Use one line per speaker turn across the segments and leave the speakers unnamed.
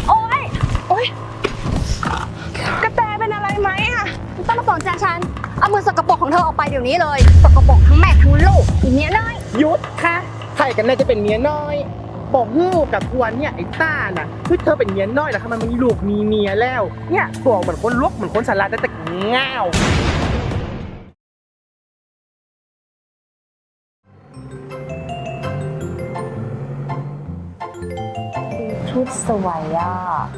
โอ๊ยโอ๊ยกระแตเป็นอะไรไหมอะไม่ต้องมาสนใจฉันเอามือสกปรกของเธอออกไปเดี๋ยวนี้เลยสกปรกทั้งแม่ทั้งลูกอีเนี้ยน้อย
หยุดค่ะใครกันน่าจะเป็นเมียน้อยบอกฮู้กับทวนเนี่ยไอ้ต้าน่ะคือเธอเป็นเมียน้อยแล้วทำไมมันมีลูกมีเมียแล้วเนี่ยตัวเหมือนคนลวกเหมือนคนสลัดแต่ง่าว
ชุดสวยอ่ะ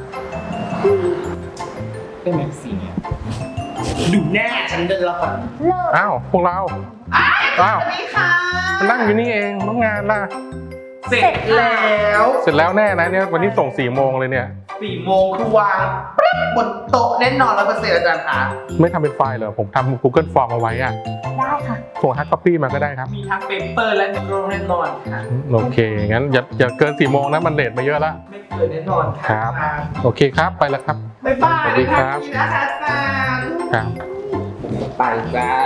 ได้ไหมสีดูหน้าฉันเดินละก่อน
เลิก
อ้าวพวกเราอ้าว
นี่ค่ะ
มานั่งอยู่นี่เองน้องงานล่ะ
เสร็จแล้ว
เสร็จแล้วแน่นะเนี่ยวันนี้ส่ง4 โมงเลยเนี่ย
4 โมงคือวางปึ๊บบนโต๊ะแน่นอน100%อาจารย์คะ
ไม่ทำเป็นไฟล์เหรอผมทำ Google Form เอาไว้อะ
ได้ค่ะ
ส่งฮาร์ดคอปปี้มาก็ได้ครับ
มีทั้งเปเปอร์และแน่นอนค่ะ
โอเคงั้นอย่าเกิน4 โมงนะมันเลทมาเยอะละ
ไม่เกินแน่นอน
ครับ โอเคครับไปแล้วครับ
บ๊ายบาย
สวัสดีครับ
นะคะอาจารย์
ครับ
ไปจ้า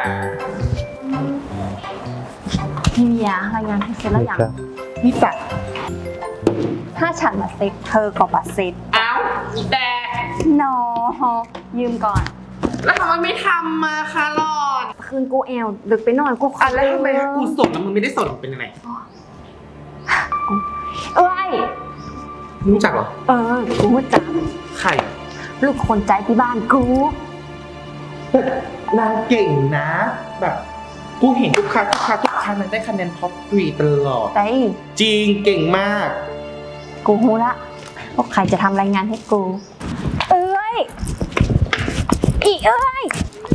พี่เมียรายงานให้เสร็จแล้วยัง
นี่จัด
ถ้าฉันมาเซ็ตเธอก็มาเซ็ต
เอ้าแต่
นอยืมก่อน
แล้วทำไมไม่ทำมาคะหลอด
คืนกูแอลดึกไปหน่อยกูขอ
แล้วทำไมกูสดแล้วมึงไม่ได้สดเป็นยังไง
เอ้ย
รู้จักเหรอ
กูว่าจัง
ใคร
ลูกคนใจที่บ้านกู
นางเก่งนะ แบบกูเห็นทุกครั้งนางได้คะแนนท็อป3ตลอด
แต่
จริงเก่งมาก
กูรู้ละว่าใครจะทำรายงานให้กู เอ้ยอีเอ้ย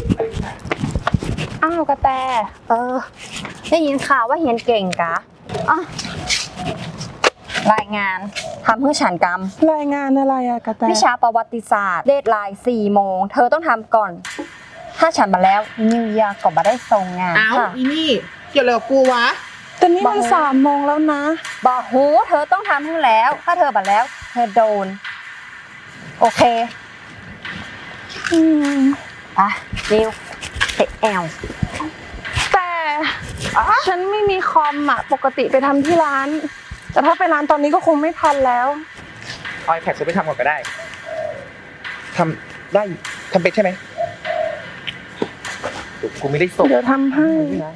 อ้าวกระแต
ได้ยินข่าวว่าเฮียนเก่งกะอ่ะรายงานทำเพื่อฉันกรรม
รายงานอะไรอะกระแต
วิชาประวัติศาสตร์เดทไลน์4 โมง เธอต้องทำก่อน ถ้าฉันมาแล้วนิวยาก็มาได้ส่งงาน
เอ้า
ค่ะ
อีนี่เกี่ยวอะไรกับกูวะ
แต่นี่มัน3 โมงแล้วนะ
บอกหูเธอต้องทำให้แล้ว ถ้าเธอบัดแล้ว เธอโดน โอเคอ่ะเร็วเตะแอล
แต่ฉันไม่มีคอมอะปกติไปทำที่ร้าน แต่ถ้าไปร้านตอนนี้ก็คงไม่ทันแล้ว
เอาไอแพดฉันไปทำก่อนก็ได้ทำได้ทำเป็นใช่ไหมกูไม่ได้ส่ง
เดี๋ยวทำให้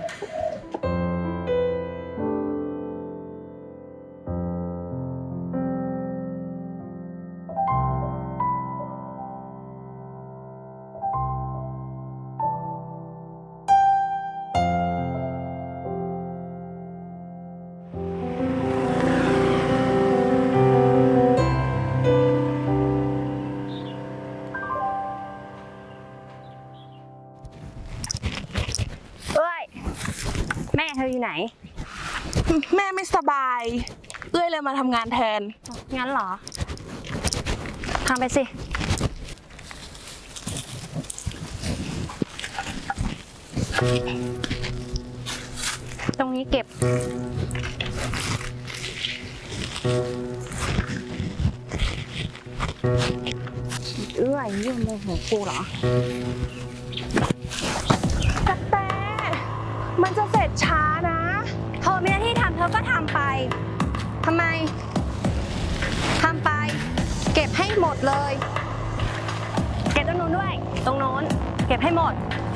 เอ้ย แม่เธออยู่ไหน
แม่ไม่สบาย เอื้อยเลยมาทำงานแทน
งั้นเหรอ ทำไปสิ ตรงนี้เก็บ เอื้อยยื่นโมโหกูเหรอ
กระแต มันจะเสร็จช้านะ
เธอมีหน้าที่ทำเธอก็ทำไป ทำไม ทำไป เก็บให้หมดเลย เก็บตรงนู้นด้วย ตรงโน้น เก็บให้หมด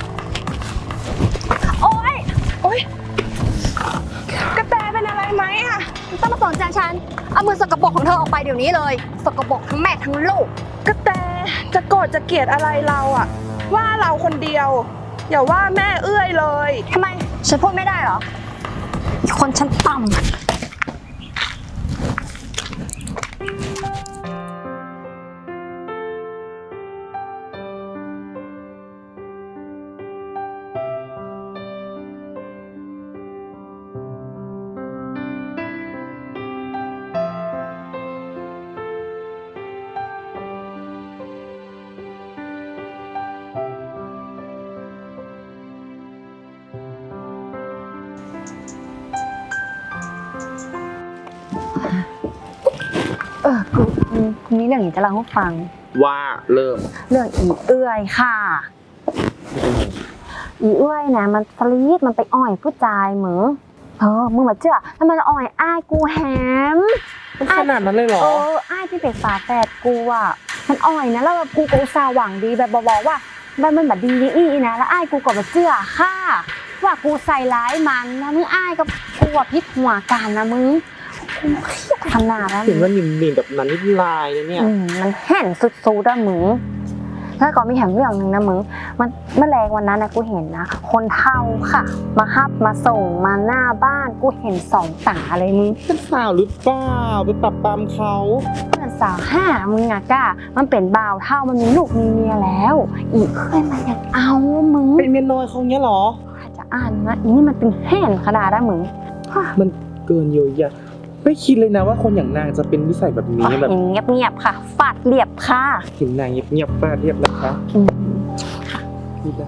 โอ๊ย
โอ๊ย กระแตเป็นอะไรไหมอะ
ไม่ต้องมาสนใจฉัน เอามือสกปรกของเธอออกไปเดี๋ยวนี้เลย สกปรกทั้งแม่ทั้งลูก
กระแตจะโกรธจะเกลียดอะไรเราอะว่าเราคนเดียว อย่าว่าแม่เอื้อยเลย
ทำไม ฉันพูดไม่ได้เหรออีกคนฉันต่ำ กูมีเรื่องอยากจะเล่าให้ฟัง
ว่าเริ่ม
เรื่องอีเอื้อยค่ะ อีเอื้อยนะมันสลีดมันไปอ่อยผู้ชายมึงมึงมาเชื่อแล้วมันอ่อยอ้ายกูแฮม
มันขนาดนั้นเลยเหรอ
อ้ายที่เป็นฝาแฝดกูอ่ะมันอ่อยนะแล้วแบบกูก็อุตส่าห์หวังดีแบบบอกว่ามันแบบดีนี่อีนะแล้วอ้ายกูก็แบบเชื่อค่ะว่ากูใส่ร้ายมันนะมึงอ้ายกับกูอ่ะพิษหัวกันนะมึงกูเครียดขนาดนั้น
เห็นว่านิ่มๆแบบนั้นนี่ลายนะเนี่ย
มันแห่นสุดๆอะมึงแล้วก็มีแถมเรื่องหนึ่งนะมึงมันเมื่อแรงวันนั้นนะกูเห็นนะคนเฒ่าค่ะมาฮับมาส่งมาหน้าบ้านกูเห็น2 ตาเลยมึง
เป็นสาวหรือเปล่าไปปรับปรามเขา
เพื่อนสาว5มึงอะก้ามันเป็นบ่าวเท่ามันมีลูกมีเมียแล้ว อีกเคยมันยังเอามึง
เป็นเมียน้อยเขาเนี้ยเหรอ
อาจจะอ่านนะอีนี่มันเป็นแห่นขนาดนั้นมึง
มันเกินเยียวยาไม่คิดเลยนะว่าคนอย่างนางจะเป็นนิสัยแบบนี้แบบ
เงียบๆค่ะฟาดเรียบค่ะ
เห็นนางเงียบๆฟาดเรียบนะคะพี่ดา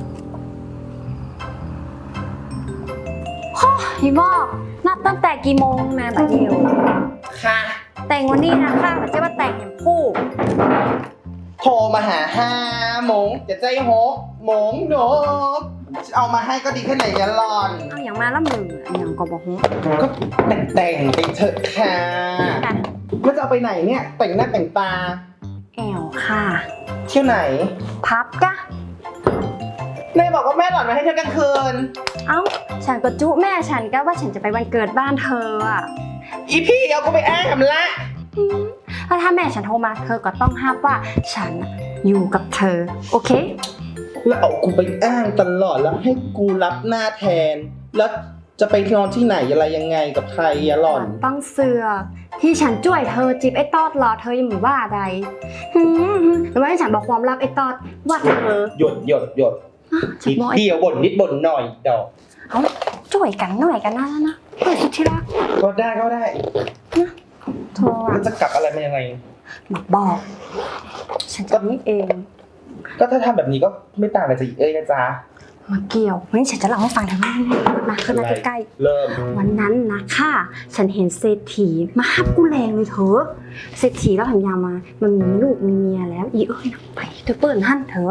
พี่บอกนัดตั้งแต่กี่โมงแม่บัดเดียว
ค่ะ
แต่งวันนี้นะค่ะมันจะว่าแต่งแห่งผู้
โทรมาหา5 โมงจะใจ6 โมงโนบเอามาให้ก็ดีแค่ไหนเนี่ยหลอน
เอาอย่างมาละมืออันอย่างก็บอกฮู้
ก็แต่งไปเถอะค่ะแล้วจะเอาไปไหนเนี่ย แต่งหน้าแต่งตา
แอวค่ะ
เที่ยวไหน
พับกะ
แม่บอกว่าแม่หลอนมาให้เที่ยวกลางคืน
เอ้าฉันก็จุแม่ฉันก็ว่าฉันจะไปวันเกิดบ้านเธออ่ะ
อีพี่เอากูไปแอบละ
แล้วถ้าแม่ฉันโทรมาเธอก็ต้องห้ามว่าฉันน่ะอยู่กับเธอโอเค
แล้วเอากูไปอ้างตลอดแล้วให้กูรับหน้าแทน แล้วจะไปนอนที่ไหนอะไรยังไงกับใครอะหล่อน
ต้องเสือที่ฉันช่วยเธอจีบไอ้ตอดรอเธอยังไม่ว่าใดหรือว่าให้ฉันบอกความลับไอ้ตอดว่าเธอ
หยด
ฉัน
นิด
บอก
เดียวบ่นนิดบ่นหน่อยดอก
เอาช่วยกันหน่อยกันนะเพื่อสุดที่รัก
ก็ได้
เธอ
แล้วจะกลับอะไรมายังไง
มาบอก ฉันจะนี่เอง
ก็ถ้าทำแบบนี้ก็ไม่ต่างอะไรจากอีเอ้ยนะจ๊ะ
มาเกี่ยววันนี้ฉันจะเล่าให้ฟังเธอมาขึ้นมาใกล้
เริ่ม
ๆวันนั้นนะค่ะฉันเห็นเศรษฐีมาฮับกูแรงเลยเธอเศรษฐีแล้วหันยามามันมีลูกมีเมียแล้วอีเอ้ยนะไปเธอเปิดหั่นเธอ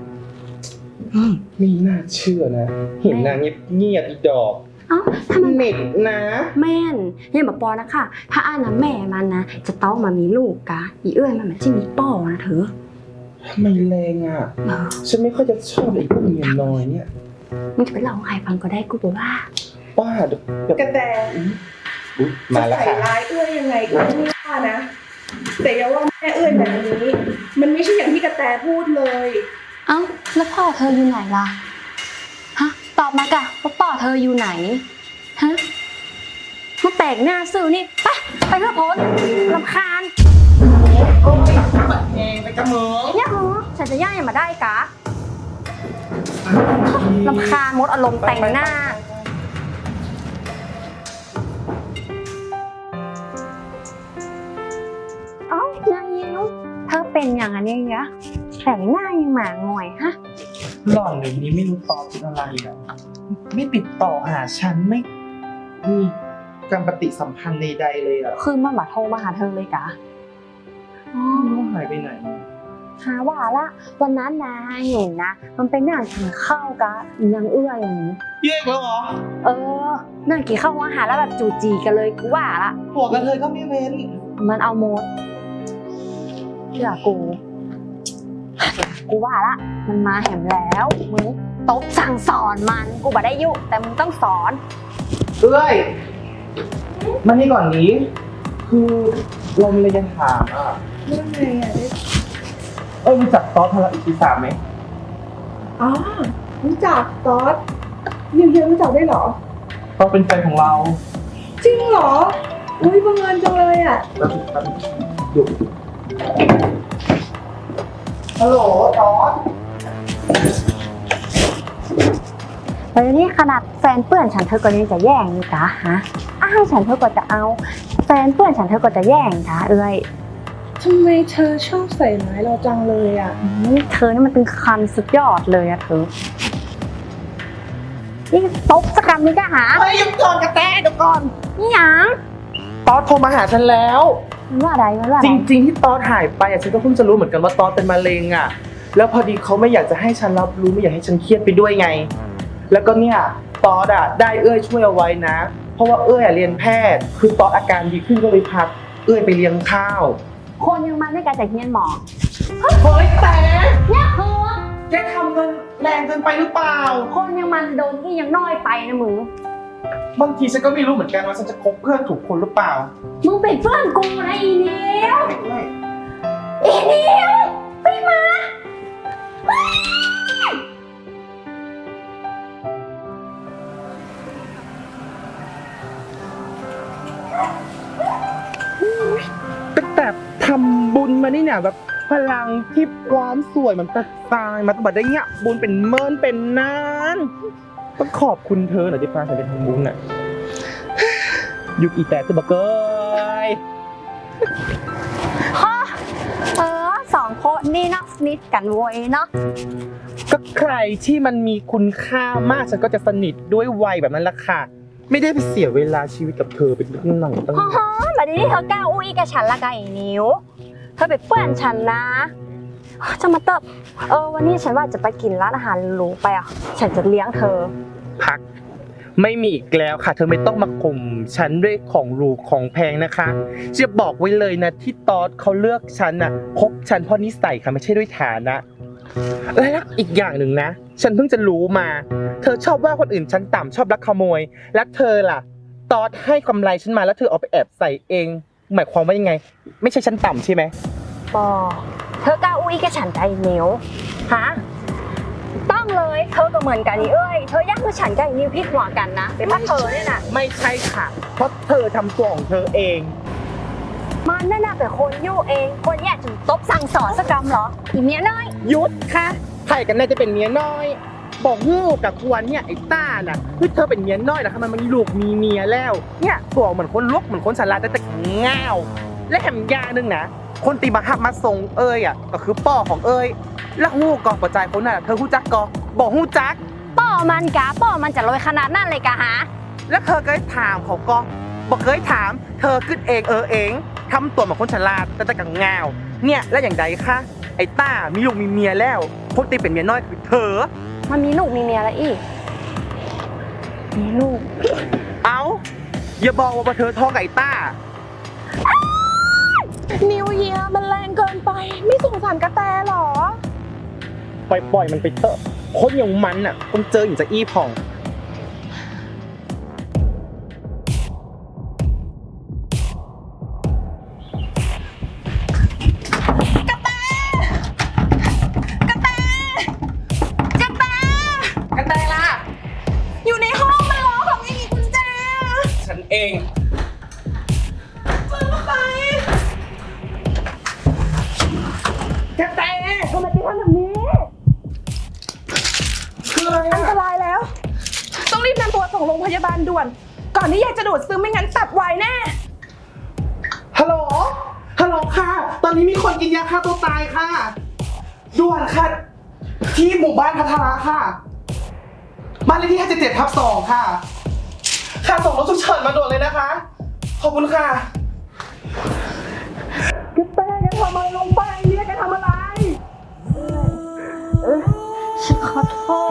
ไม่น่าเชื่อนะ เห็นนางเงียบอีดอก
เอ้าถ้ามัน
เหม็นนะ
แม่นเนี่ยแบบปอนะค่ะถ้าอ่านนะแม่มันนะจะต้องมามีลูกกะอีเอ้ยมันจะมีป้อนะเธอ
ทำไมแรงอ่ะ ฉันไม่ค่อยจะชอบไอ้พวกเมียน้อยเนี่ย
มึงจะไปเล่าให้ใครฟังก็ได้กูบอกว่า
ป้าเดี๋ยว
กระแต
อุ๊ยมาแล้ว
ใส่
ค่ะ
ร้ายเอื้อยยังไงก็ไม่ว่านะ แต่อย่าว่าแม่เอื้อยแบบนี้ มันไม่ใช่อย่างที่กระแตพูดเลย
เอ้าแล้วพ่อเธออยู่ไหนล่ะฮะตอบมากะว่าพ่อเธออยู่ไหนฮะมาแตกหน้าซื่อนี่ไปเถอะพ้นรำคาญ
โอ้ยปัดเองไปกระเมือง
เนี่ยเหรอฉันจะย่ายมาได้กะรำคาญมดอารมณ์แต่งหน้าเอ้านางยิวเธอเป็นอย่างนั้นยังไงแต่งหน้ายังหมาหงอยฮะ
หล่อนเดี๋ยวนี้ไม่รู้ตอบเป็นอะไรอ่ะ ไม่ติดต่อหาฉันไม่มีการปฏิสัมพันธ์ใดๆเลยอ่ะ
คือมันมาโทรมาหาเธอเลยกะอ๋อ
ไม่รู้ว่าหายไปไหน
หาว่าละวันนั้นนะเห็นนะ มันเป็นนั่งกินข้าวกะนางเอื้ออย่างนี้
แยกแล้วเหรอ
นั่งกินข้าวอาหารแล้วแบบจูจีกันเลยกูว่าละ
หัวกระเทยก็ไม่เว้น
มันเอาโมดเชื่อกูว่าละมันมาแหมแล้วมึงตบสั่งสอนมันกูบ่ได้ยุแต่มึงต้องสอน
เอ้ยมานี่ก่อนนี้ คือเรามีอะไรจะถามอ่ะ
เรื่องไงอ่ะ
รู้จักตอสพลังอิทธิศาสตร์ไหม
อ๋อรู้จักตอสนิวเฮียรู้จักได้วยเหรอ
ตอสเป็นแฟนของเรา
จริงเหรอ อุ้ยบังเอิญจังเลยอ่ะ
แล้วดูฮัลโหลตอส
แล้วนี่ขนาดแฟนเพื่อนฉันเธอก็ยังจะแย่งอยู่กะฮะอ้าวฉันเธอก็จะเอาแฟนเพื่อนฉันเธอก็จะแย่งกะเอ้ย
ทำไมเธอชอบใส่ร้ายเราจังเลยอ่ะ
เธอนี่มันเป็นคันสุดยอดเลยอะเธอนี่ตบสกรรมนี่ก็หา
เฮ้ยหยุดก่อนกระแตเดี๋ยวก่อน
นี่หยัง
ตอสโทรมาหาฉันแล้ว
มันว่าอะไรมันว่าอะ
จ
ไร
ริง ๆ ที่ตอสหายไปอ่ะฉันก็เพิ่งจะรู้เหมือนกันว่าตอสเป็นมะเร็งอ่ะ แล้วพอดีเขาไม่อยากจะให้ฉันรับรู้ไม่อยากให้ฉันเครียดไปด้วยไง แล้วก็เนี่ยตอสอ่ะได้เอ้ยช่วยเอาไว้นะ เพราะว่าเอ้ยอ่ะเรียนแพทย์ คือตอสอาการดีขึ้นก็เลยพักเอ้ยไปเลี้ยงข้าว
คนยังมันไม่กระจายเฮียนหมอ
เฮ้ยแต่
เนี่ยคือ
แกทำเงินแรงเกินไปหรือเปล่า
คนยังมันโดนที่ยังน้อยไปนะมึง
บางทีฉันก็ไม่รู้เหมือนกันว่าฉันจะคบเพื่อนถูกคนหรือเปล่า
มึงเป็นเพื่อนกูนะอีเนียว
ไม่
อีเนียวไปมา
ตั้งแต่ทำบุญมานี่เนี่ยแบบพลังที่ความสวยมันตายมาตั้งแต่ได้เงี้ยบุญเป็นเมินเป็นนานต้องขอบคุณเธอหน่อยที่พาฉันไปทำบุญน่ะยุคอีแต่ตัวเกย
ฮะสองคนนี่เนาะสนิทกันโวยเนาะ
ก็ใครที่มันมีคุณค่ามากฉันก็จะสนิทด้วยวัยแบบนั้นละค่ะ ไม่ได้ไปเสียเวลาชีวิตกับเธอเป็นหนังตั้ง
ฮะบัดนี้เธอกล้าอุ้ยกับฉันละกันอีนิ้วเธอเป็นเพื่อนฉันนะจะมาเติบวันนี้ฉันว่าจะไปกินร้านอาหารหรูไปอ่ะฉันจะเลี้ยงเธอ
พักไม่มีอีกแล้วค่ะ เธอไม่ต้องมาข่มฉันด้วยของหรูของแพงนะคะจะบอกไว้เลยนะที่ตอดเขาเลือกฉันน่ะคบฉันเพราะนิสัยค่ะไม่ใช่ด้วยฐานะและอีกอย่างหนึ่งนะ ฉันเพิ่งจะรู้มา เธอชอบว่าคนอื่นฉันต่ำชอบลักขโมยและเธอล่ะตอดให้กำไรฉันมาแล้วเธอเอาไปแอบใส่เอง หมายความว่ายังไง ไม่ใช่ฉันต่ำใช่ไหม
ปอเธอกล้าอุ้ยกับฉันใจนิ้วฮะต้องเลยเธอก็เหมือนกันนี่เอ้ยเธอยากคือฉันกับอีนิ้วพี่หัวกันนะเป็นเพราะเธอเนี่ยนะ
ไม่ใช่ค่ะ เพราะเธอทำตัวของเธอเอง
มันน่าเป็นคนยู่เองคนแย่ถึงตบสั่งสอนสักกรรมเหรออีเมียน้อย
ยุดค่ะใครกันแน่จะเป็นเมียน้อย บอกฮู้กับควรเนี่ยไอ้ต้าน่ะคือเธอเป็นเมียน้อยนะทำไมมันมีลูกมีเมียแล้ว เนี่ยตัวเหมือนคนลวกเหมือนคนสลัดแต่ง่าวและแถมยานึงนะคนตีมาหับมาส่งเอ้ยอ่ะก็คือป้อของเอ้ยแล้วฮู้ก่อนปัจจัยคนน่ะเธอฮู้จักก่อบอกฮู้จัก
ป้อมันจะลอยขนาดนั้นเลยกะฮะ
แล้วเธอเคยถามเขาก็บอกเคยถาม เธอขึ้นเองเองทำตัวเหมือนคนฉลาดแต่กังงาวเนี่ยแล้วอย่างใดคะไอ้ต้ามีลูกมีเมียแล้วคนตีเป็นเมียน้อยคือเธอ
มันมีลูกมีเมียแล้วอีกมีลูก
เอาอย่าบอกว่าเธอท้องกับไอ้ต้า
นิวเยียร์มันแรงเกินไป ไม่สงสารกระแตหรอ
ปล่อยมันไปเถอะคนอย่างมันน่ะต้องเจออย่างจะอี้ผ่องกระแตล่ะ
อยู่ในห้องมันล็อกแบบไม่มีกุญแจ
ฉันเอง
มึงไป
กระแต
ทำไมถึงทำแบบนี้
คืออะไร
อันตรายแล้ว ต้องรีบนำตัวส่งโรงพยาบาลด่วน ก่อนที่ยายจะดูดซึมไม่งั้นตับวายแน่
ฮัลโหลฮัลโหลค่ะ ตอนนี้มีคนกินยาฆ่าตัวตายค่ะด่วนค่ะที่หมู่บ้านพัทราค่ะบ้านเลขที่57/2ค่ะค่ะส่งรถฉุกเฉินมาด่วนเลยนะคะ ขอบคุณค่ะกระแตแกทำอะไรลงไปเนี่ยแกทำอะไร
ฉันขอโทษ